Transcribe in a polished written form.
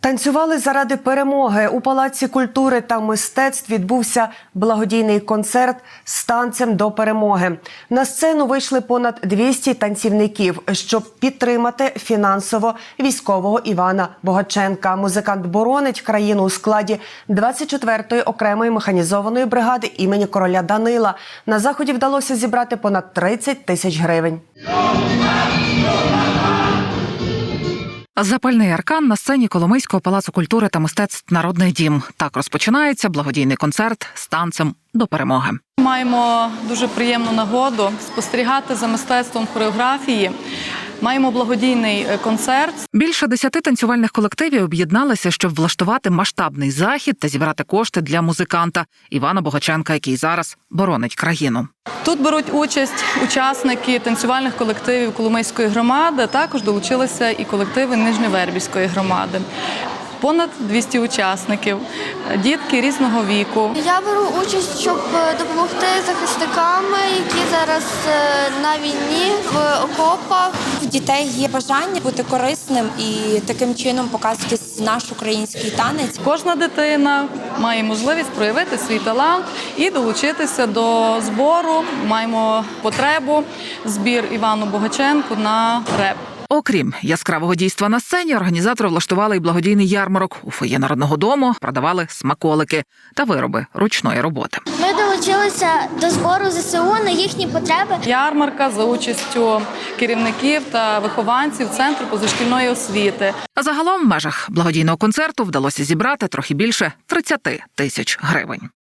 Танцювали заради перемоги. У Палаці культури та мистецтв відбувся благодійний концерт з танцем до перемоги. На сцену вийшли понад 200 танцівників, щоб підтримати фінансово військового Івана Богаченка. Музикант боронить країну у складі 24-ї окремої механізованої бригади імені короля Данила. На заході вдалося зібрати понад 30 тисяч гривень. Запальний аркан на сцені Коломийського палацу культури та мистецтв «Народний дім». Так розпочинається благодійний концерт з танцем до перемоги. Маємо дуже приємну нагоду спостерігати за мистецтвом хореографії. Маємо благодійний концерт. Більше 10 танцювальних колективів об'єдналися, щоб влаштувати масштабний захід та зібрати кошти для музиканта Івана Богаченка, який зараз боронить країну. Тут беруть участь учасники танцювальних колективів Коломийської громади, також долучилися і колективи Нижньовербівської громади. Понад 200 учасників, дітки різного віку. Я беру участь, щоб допомогти захисникам, які зараз на війні, в окопах. У дітей є бажання бути корисним і таким чином показувати наш український танець. Кожна дитина має можливість проявити свій талант і долучитися до збору. Маємо потребу збір Івану Богаченку на реп. Окрім яскравого дійства на сцені, організатори влаштували й благодійний ярмарок. У фоє Народного дому продавали смаколики та вироби ручної роботи. Ми долучилися до збору ЗСУ на їхні потреби. Ярмарка за участю керівників та вихованців Центру позашкільної освіти. А загалом в межах благодійного концерту вдалося зібрати трохи більше 30 тисяч гривень.